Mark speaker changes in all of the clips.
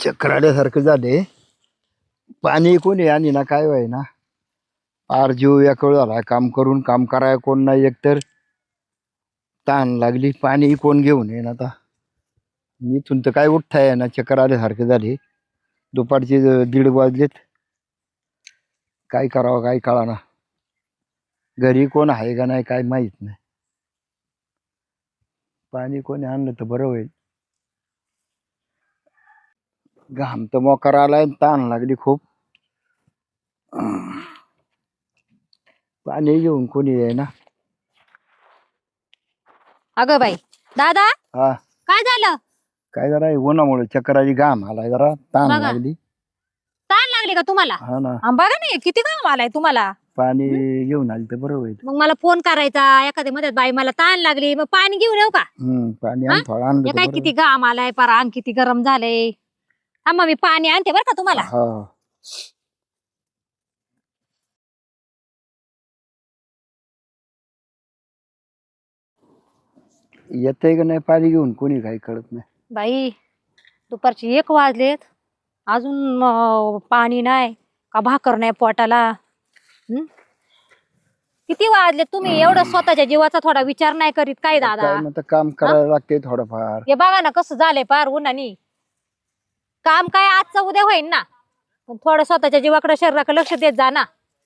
Speaker 1: चक्कर आल्यासारखं झाले. पाणी कोणी आणि ना काय व्हाय ना, फार जीव व्याकुळ झाला. काम करून काम कराय कोण नाही, एकतर ताण लागली. पाणी कोण घेऊन येईन आता. इथून तर काय उठताय ना, चक्कर आल्यासारखे झाले. दुपारचे 1:30 वाजलेत. काय करावं काय कळाना. घरी कोण आहे का नाही काय माहित नाही. पाणी कोणी आणलं तर बरं होईल. घाम तर मोकार आलाय, ताण लागली खूप. पाणी घेऊन कोणी आहे ना.
Speaker 2: अगं बाई दादा,
Speaker 1: हा
Speaker 2: काय झालं?
Speaker 1: काय जरा उन्हामुळे चक्कर आली, घाम आलाय, जरा ताण
Speaker 2: बघा.
Speaker 1: लागली.
Speaker 2: ताण लागली का तुम्हाला?
Speaker 1: हा ना,
Speaker 2: बघा नाही किती काम आलाय तुम्हाला.
Speaker 1: पाणी घेऊन आली तर बरं होईल.
Speaker 2: मग मला फोन करायचा एखाद्या मध्ये, बाई मला ताण लागली, मग पाणी घेऊन येऊ का?
Speaker 1: पाणी
Speaker 2: हा?
Speaker 1: आण, थोडं आणलं
Speaker 2: हे
Speaker 1: तर
Speaker 2: काय
Speaker 1: बरं
Speaker 2: किती
Speaker 1: होईल.
Speaker 2: घाम आलाय, पर अंग किती गरम झालंय. हा मग मी पाणी आणते बरं का तुम्हाला.
Speaker 1: हा येतंय का नाही पाणी घेऊन कोणी, काही कळत नाही.
Speaker 2: बाई दुपारची 1 वाजलेत, अजून पाणी नाही का भाकर नाही पोटाला. हं? किती वाजले? तुम्ही एवढं स्वतःच्या जीवाचा थोडा विचार नाही करीत काय दादा?
Speaker 1: काय म्हणतं, काम करायला लागते थोडंफार.
Speaker 2: हे बघा ना कसं झालंय पार उन्हानी. काम काय आजचं उद्या होईन ना, पण थोडं स्वतःच्या जीवाकडे शरीराकडे लक्ष देत जा ना.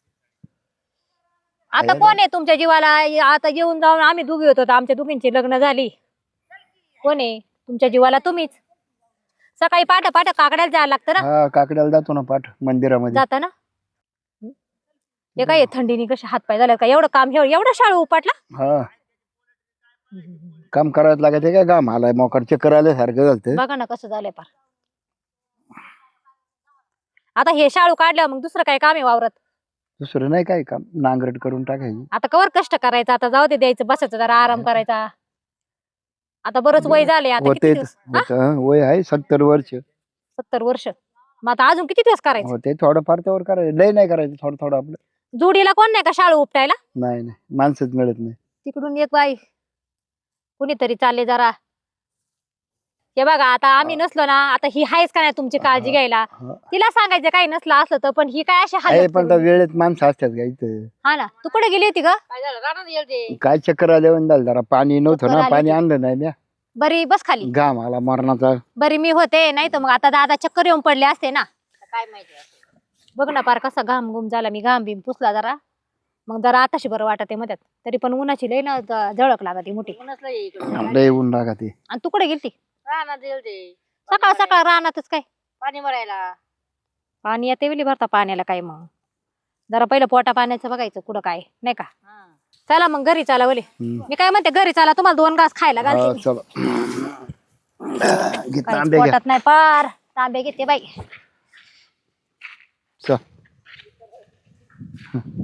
Speaker 2: आता
Speaker 1: आहे
Speaker 2: कोण आहे तुमच्या जीवाला? आता येऊन जाऊन आम्ही दोघी होतो, आमच्या दोघींची लग्न झाली. कोण आहे तुमच्या जीवाला? तुम्हीच. सकाळी पाठ काकड्याला जायला लागतं ना.
Speaker 1: हा, काकड्याला जातो ना पाठ मंदिरामध्ये.
Speaker 2: जाता ना. हे काय थंडीने कसे हातपाय झाले का? एवढं काम, एवढं शाळू उपाटला.
Speaker 1: हा, काम करायला लागत काय, घाम आलाय मोकार, चक्कर आल्यासारखं झालं.
Speaker 2: बघा ना कसं झालंय पार. आता हे शाळू काढलं मग दुसरं काय काम आहे वावरत?
Speaker 1: दुसरं नाही काय काम, नांगरट करून टाकायची.
Speaker 2: आता कवर कष्ट करायचं, आता जाऊ दे, द्यायचं, बसायचं, जरा आराम करायचा. आता बरंच वय झाले. आता किती दिवस?
Speaker 1: वय आहे 70 वर्ष.
Speaker 2: 70 वर्ष. मग आता अजून किती दिवस करायचं?
Speaker 1: होते थोडंफार त्यावर करायचं, लय नाही करायचं, थोडं थोडं आपलं.
Speaker 2: जोडीला कोण नाही का शाळू उपटायला?
Speaker 1: नाही नाही, माणसंच मिळत नाही.
Speaker 2: तिकडून एक बाई कुणीतरी चालले जरा. हे बघा आता आम्ही नसलो ना, आता ही हायच का नाही तुमची काळजी घ्यायला? तिला सांगायचं काही नसलं असलं तर, पण ही काय अशी
Speaker 1: आहे
Speaker 2: हालत
Speaker 1: पण
Speaker 2: करून.
Speaker 1: वेळेत माणसं असतात का इथं.
Speaker 2: हा ना, तू कुठे गेली होती ग? काय झालं? रानात गेलते.
Speaker 1: काय चक्कर आल्यावर झालं, जरा पाणी नव्हतं
Speaker 2: चक्कर
Speaker 1: ना,
Speaker 2: आली
Speaker 1: पाणी
Speaker 2: होती.
Speaker 1: आणलं नाही म्या.
Speaker 2: बरी बस खाली.
Speaker 1: घाम आला मरणाचा.
Speaker 2: बरी मी होते, नाही तर मग आता दादा चक्कर येऊन पडले असते ना. काय माहिती. बघ ना पार कसा घाम घुम झाला. मी घाम बिम पुसला जरा, मग जरा आताशी बरं वाटत मध्यात. तरी पण उन्हाची लय ना झळक लागते मोठी.
Speaker 1: लय ऊन लागत.
Speaker 2: आणि तू कुठे गेलती?
Speaker 3: रानात गेलते.
Speaker 2: सकाळ सकाळ रानातच काय
Speaker 3: पाणी भरायला.
Speaker 2: पाणी येते वेळी भरता पाण्याला काय? मग जरा पहिलं पोटा पाण्याचं बघायचं कुठं काय, नाही का? चला मग घरी चला बोले. मी काय म्हणते, घरी चला, तुम्हाला 2 घास खायला घालते.
Speaker 1: चलो
Speaker 2: काहीच
Speaker 1: तांबे घ्या.
Speaker 2: पोटात नाही पार. तांबे घेते बाई.
Speaker 1: चल.